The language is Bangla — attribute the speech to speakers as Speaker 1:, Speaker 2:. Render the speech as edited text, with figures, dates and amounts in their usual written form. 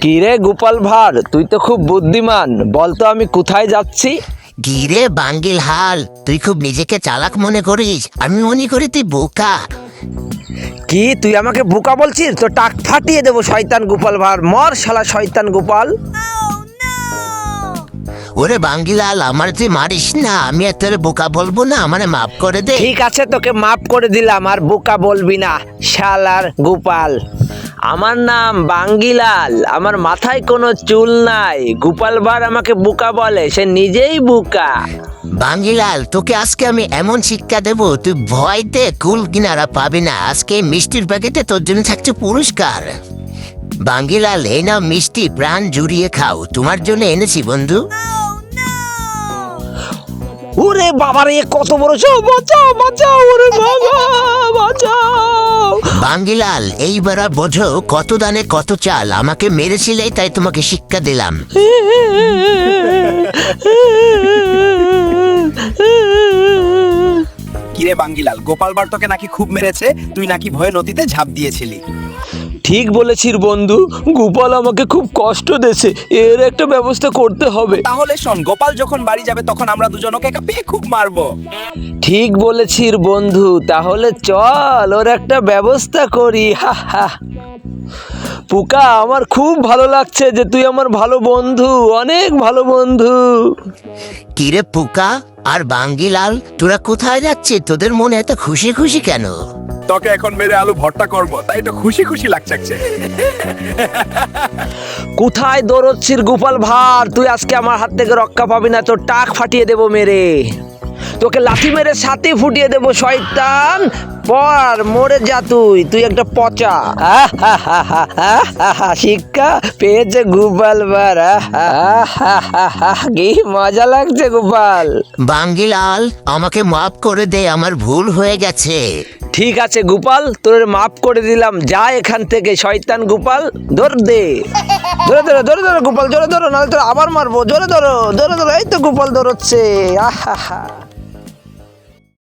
Speaker 1: কিরে গোপাল ভাঁড়, তুই তো খুব বুদ্ধিমান, বলতো আমি কোথায় যাচ্ছি?
Speaker 2: গিরে বাঙ্গিল হাল, তুই খুব নিজেকে চালাক মনে করিস, আমি মনে করি তুই বোকা।
Speaker 1: কি তুই আমাকে বোকা বলছিস? তো টাক ফাটিয়ে দেবো শয়তান গোপাল ভাঁড়, মর শালা শয়তান গোপাল।
Speaker 2: ওরে বাঙ্গিলাল, আমার তুই মারিস না, আমি আর তোরে বোকা বলবো না, আমারে মাফ করে দে।
Speaker 1: ঠিক আছে, তোকে মাফ করে দিলাম, আর বোকা বলবি না শালার গোপাল। আমার নাম বাঙ্গিলাল, আমার মাথায় কোনো চুল নাই। গোপাল ভাঁড় আমাকে বোকা বলে, সে নিজেই বোকা।
Speaker 2: বাঙ্গিলাল, তোকে আজকে আমি এমন শিক্ষা দেবো, তুই ভয়তে কুল কিনারা পাবি না। আজকে এই মিষ্টির প্যাকেটে তোর জন্য থাকছে পুরস্কার। বাঙ্গিলাল, এই নাও মিষ্টি, প্রাণ জুড়িয়ে খাও, তোমার জন্য এনেছি বন্ধু।
Speaker 1: ওরে বাবা রে, কত বড় সাপ! বাঁচাও বাঁচাও, ওরে বাবা বাঁচাও।
Speaker 2: বাঙ্গিলাল, এইবার বোঝো কত দানে কত চাল, আমাকে মেরেছিলে তাই তোমাকে শিক্ষা দিলাম।
Speaker 3: কিরে বাঙ্গিলাল, গোপাল ভাঁড় তোকে নাকি খুব মেরেছে, তুই নাকি ভয়ে নদীতে ঝাঁপ দিয়েছিলি।
Speaker 1: ঠিক বলেছিস বন্ধু, গোপাল আমাকে খুব কষ্ট দিয়েছে, এর একটা ব্যবস্থা করতে হবে।
Speaker 3: তাহলে শোন, গোপাল যখন বাড়ি যাবে তখন আমরা দুজন ওকে পেয়ে খুব মারবো।
Speaker 1: ঠিক বলেছিস বন্ধু, তাহলে চল ওর একটা ব্যবস্থা করি। হা হা। পুকা, আমার খুব ভালো লাগছে যে তুই আমার ভালো বন্ধু, অনেক ভালো বন্ধু।
Speaker 2: কিরে পোকা আর বাঙ্গিলাল, তোরা কোথায় যাচ্ছিস? তোদের মনে এত খুশি খুশি কেন?
Speaker 3: তোকে এখন মেরে আলু ভর্তা করবো, তাই তো খুশি খুশি লাগছে।
Speaker 1: কোথায় দৌড়চ্ছিস গোপাল ভাঁড়? তুই আজকে আমার হাত থেকে রক্ষা পাবি না, তোর টাক ফাটিয়ে দেবো মেরে। তোকে লাথি মেরে সাথে ফুটিয়ে দেবো শয়তান। পর মরে যা, তুই একটা পচা। শিক্ষা পেয়েছে গোপাল ভাঁড়। কি মজা লাগছে গোপাল।
Speaker 2: বাঙ্গিলাল, আমাকে মাফ করে দে, আমার ভুল হয়ে গেছে।
Speaker 1: ঠিক আছে গোপাল, তোর মাফ করে দিলাম, যা এখান থেকে শয়তান গোপাল। ধর দে, ধরে ধরে ধরে ধরে গোপাল, জোরে ধরো, নাহলে তোর আবার মারবো। জোরে ধরো, ধরে ধরো, এই তো গোপাল ধরচ্ছে। আহা।